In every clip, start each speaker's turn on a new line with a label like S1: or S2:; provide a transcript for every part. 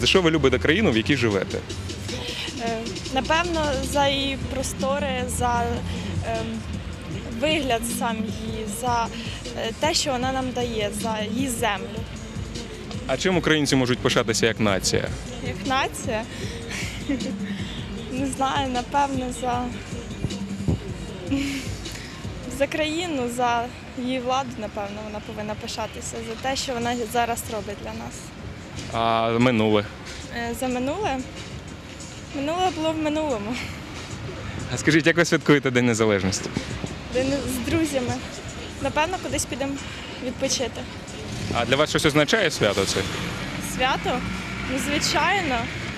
S1: За що ви любите країну, в якій живете?
S2: Напевно, за її простори, за вигляд сам її, за те, що вона нам дає, за її землю.
S1: А чим українці можуть пишатися як нація?
S2: Як нація, не знаю, напевно, за країну, за її владу, напевно, вона повинна пишатися, за те, що вона зараз робить для нас.
S1: А минуле?
S2: За минуле? Минуле було в минулому.
S1: А скажіть, як ви святкуєте День Незалежності?
S2: З друзями. Напевно, кудись підемо відпочити.
S1: А для вас щось означає свято це?
S2: Свято? Ну, звичайно.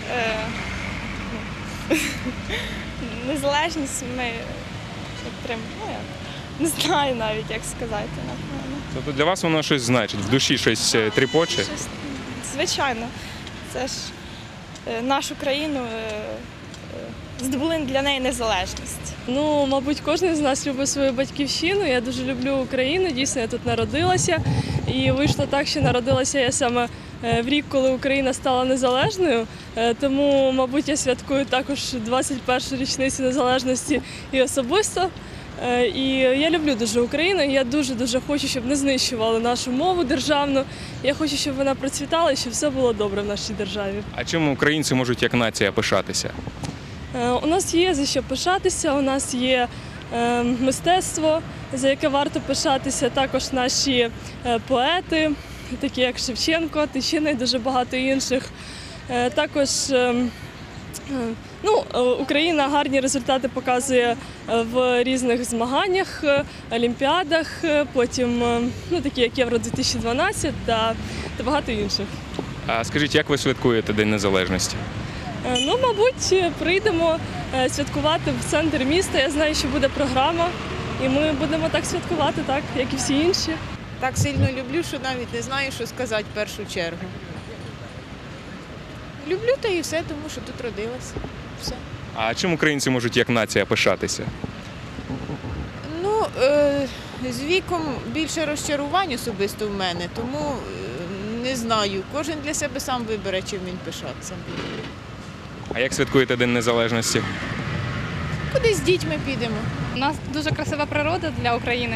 S2: Незалежність ми підтримуємо. Не знаю навіть, як сказати, напевно.
S1: Тобто для вас воно щось значить, в душі щось тріпоче?
S2: Звичайно. Це ж нашу країну здобули для неї незалежність.
S3: Ну, мабуть, кожен з нас любить свою батьківщину. Я дуже люблю Україну, дійсно, я тут народилася. І вийшло так, що народилася я саме в рік, коли Україна стала незалежною. Тому, мабуть, я святкую також 21-ю річницю незалежності і особисто. І я люблю дуже Україну, і я дуже-дуже хочу, щоб не знищували нашу мову державну. Я хочу, щоб вона процвітала і щоб все було добре в нашій державі.
S1: А чим українці можуть як нація пишатися?
S3: У нас є за що пишатися, у нас є мистецтво, за яке варто пишатися, також наші поети, такі як Шевченко, Тичина і дуже багато інших. Також Україна гарні результати показує в різних змаганнях, олімпіадах, потім такі як Євро-2012 та багато інших.
S1: А скажіть, як ви святкуєте День Незалежності?
S3: Ну, мабуть, прийдемо святкувати в центр міста. Я знаю, що буде програма, і ми будемо так святкувати, так, як і всі інші.
S4: Так сильно люблю, що навіть не знаю, що сказати в першу чергу. Люблю та і все, тому що тут родилася. Все.
S1: А чим українці можуть як нація пишатися?
S4: Ну, з віком більше розчарувань особисто в мене, тому не знаю. Кожен для себе сам вибере, чим він пишатися.
S1: А як святкуєте День Незалежності?
S4: Кудись з дітьми підемо.
S5: У нас дуже красива природа для України.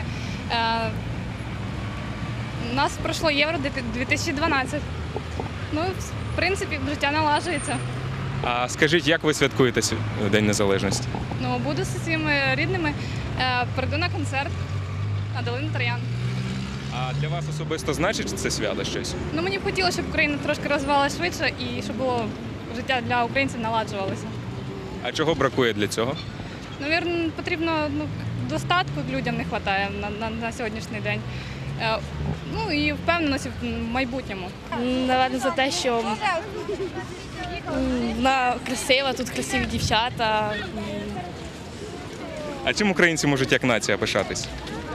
S5: У нас пройшло Євро-2012. Ну, в принципі, життя налажується.
S1: А скажіть, як ви святкуєте День Незалежності?
S5: Ну, буду зі своїми рідними, прийду на концерт на Долину Троян.
S1: А для вас особисто значить це свято щось?
S5: Ну, мені б хотілося, щоб Україна трошки розвивалася швидше і щоб було життя для українців наладжувалося.
S1: А чого бракує для цього?
S5: Навірно, потрібно достатку людям не вистачає на сьогоднішній день. Ну і впевненості в майбутньому.
S6: Напевно, за те, що вона красива, тут красиві дівчата.
S1: А чим українці можуть як нація пишатись?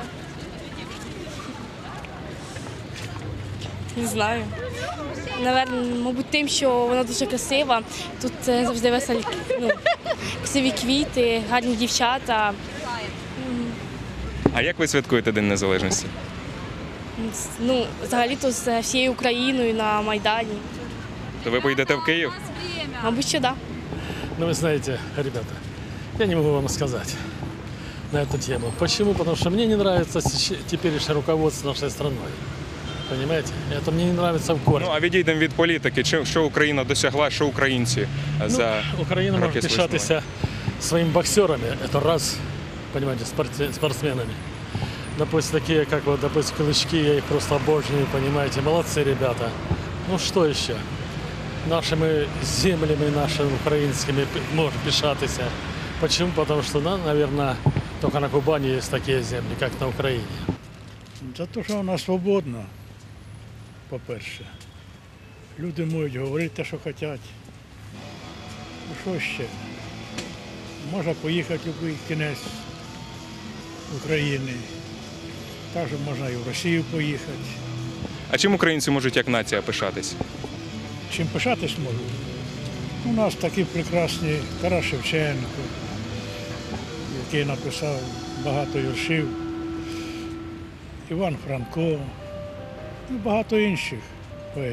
S6: Не знаю. Напевно, мабуть, тим, що вона дуже красива. Тут завжди веселі, красиві квіти, гарні дівчата.
S1: А як ви святкуєте День Незалежності?
S6: Ну, взагалі-то з всією Україною на Майдані.
S1: То ви поїдете в Київ?
S6: Мабуть, що так.
S7: Ну, вы знаете, ребята, я не могу вам сказать на эту тему. Почему? Потому что мне не нравится теперешнее руководство нашей страной. Понимаете? Это мне не нравится в корне.
S1: Ну, а відійдемо від політики. Що Україна досягла, що українці за
S7: Украина
S1: роки
S7: может
S1: свого
S7: пишатися своими боксерами, это раз, понимаете, спортсменами. Допустим, такие, как вот, допустим, Клычки, я их просто обожнюю, понимаете, молодцы ребята. Ну, что еще? Нашими землями, нашими украинскими может пишатися. Почему? Потому что, наверное, только на Кубани есть такие земли, как на Украине.
S8: За те, що вона свободна, по-перше. Люди можуть говорити те, що хочуть. Ну що ще? Можна поїхати в будь-який кінець України. Також можна і в Росію поїхати.
S1: А чим українці можуть як нація пишатись?
S8: Чим пишатись можу? У нас такі прекрасні Тарас Шевченко, який написав багато віршів, Іван Франко і багато інших поетів.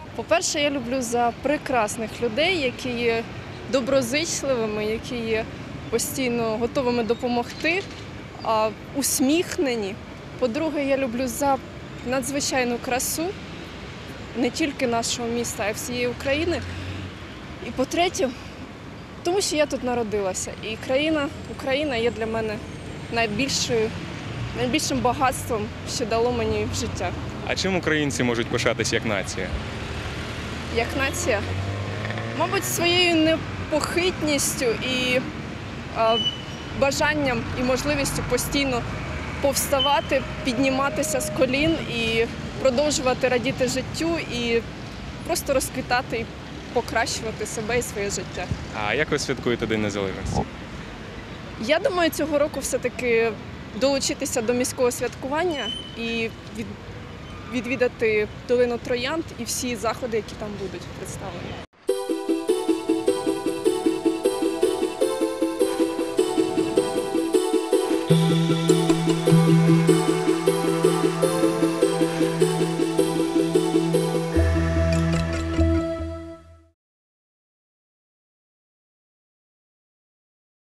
S3: По-перше, я люблю за прекрасних людей, які є доброзичливими, які є постійно готовими допомогти, усміхнені. По-друге, я люблю за надзвичайну красу не тільки нашого міста, а й всієї України. І по-третє, тому що я тут народилася. І Україна є для мене найбільшим багатством, що дало мені в життя.
S1: А чим українці можуть пишатись як нація?
S3: Як нація, мабуть, своєю непохитністю і бажанням і можливістю постійно повставати, підніматися з колін і продовжувати радіти життю і просто розквітати і покращувати себе і своє життя.
S1: А як ви святкуєте День Незалежності?
S3: Я думаю, цього року все-таки долучитися до міського святкування і відвідати долину Троянд і всі заходи, які там будуть представлені.